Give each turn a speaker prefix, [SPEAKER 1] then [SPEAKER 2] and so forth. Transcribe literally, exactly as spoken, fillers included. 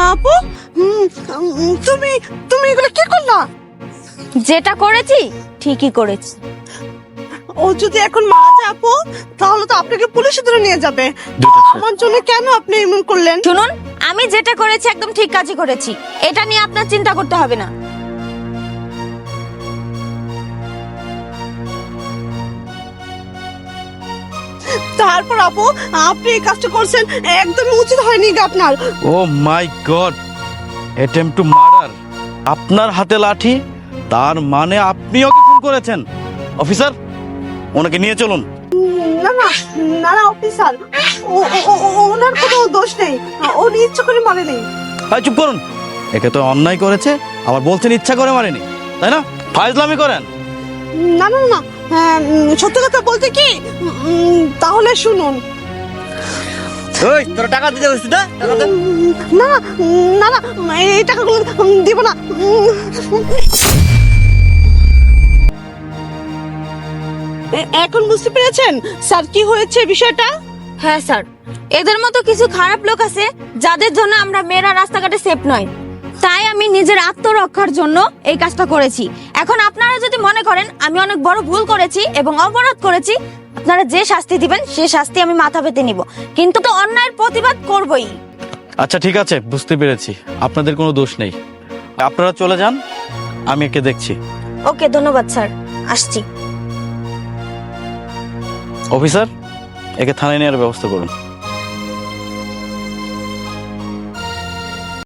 [SPEAKER 1] আপু উম, উম, তুমি তুমি এগুলো কি করলা?
[SPEAKER 2] যেটা করেছি ঠিকই করেছি।
[SPEAKER 1] ও যদি এখন মারা যায় আপু, তাহলে তো আপনাকে পুলিশে ধরে নিয়ে যাবে। আমার জন্য কেন আপনি এমন করলেন?
[SPEAKER 2] শুনুন, আমি যেটা করেছি একদম ঠিক কাজই করেছি, এটা নিয়ে আপনার চিন্তা করতে হবে না।
[SPEAKER 1] তারপর আপু, আপনি এই কাজটা করছেন, একদমই উচিত হয়নি গো আপনার।
[SPEAKER 3] Oh my god, attempt to murder. আপনার হাতে লাঠি, তার মানে আপনি ওকে খুন করেছেন। অফিসার, ওনাকে নিয়ে চলুন।
[SPEAKER 1] না না না না অফিসার, ও- ও- ও- ও- ওনার কোনো দোষ নেই, উনি ইচ্ছা করে মারেনি।
[SPEAKER 3] ভাই চুপ করুন, একে তো অন্যায় করেছে, আবার বলছেন ইচ্ছা করে মারেনি, তাই না? ফাইজলামি করেন।
[SPEAKER 1] না না না, হ্যাঁ, উম, সত্যি কথা বলতে কি, উম, তাহলে শুনুন।
[SPEAKER 4] ওই তোরা টাকা দিতে হইছিস না? টাকা দে।
[SPEAKER 1] উম, না না না না, এই টাকাগুলো উম, দিব না। উম, এ- এখন বুঝতে পেরেছেন স্যার কি হয়েছে বিষয়টা?
[SPEAKER 2] হ্যাঁ স্যার, এদের মতো কিছু খারাপ লোক আছে যাদের জন্য আমরা মেয়েরা রাস্তাঘাটে সেফ নয়। তাই আমি নিজের আত্মরক্ষার জন্য এই কাজটা করেছি। এখন আপনারা যদি মনে করেন আমি অনেক বড় ভুল করেছি এবং অপরাধ করেছি, আপনারা যে শাস্তি দিবেন সেই শাস্তি আমি মাথা পেতে নিব, কিন্তু তো অন্যায়ের প্রতিবাদ করবই।
[SPEAKER 3] আচ্ছা ঠিক আছে, বুঝতে পেরেছি আপনাদের কোনো দোষ নেই, আপনারা চলে যান, আমি একে দেখছি।
[SPEAKER 2] ওকে, ধন্যবাদ স্যার, আসছি।
[SPEAKER 3] অফিসার, একে থানায় নেওয়ার ব্যবস্থা করুন।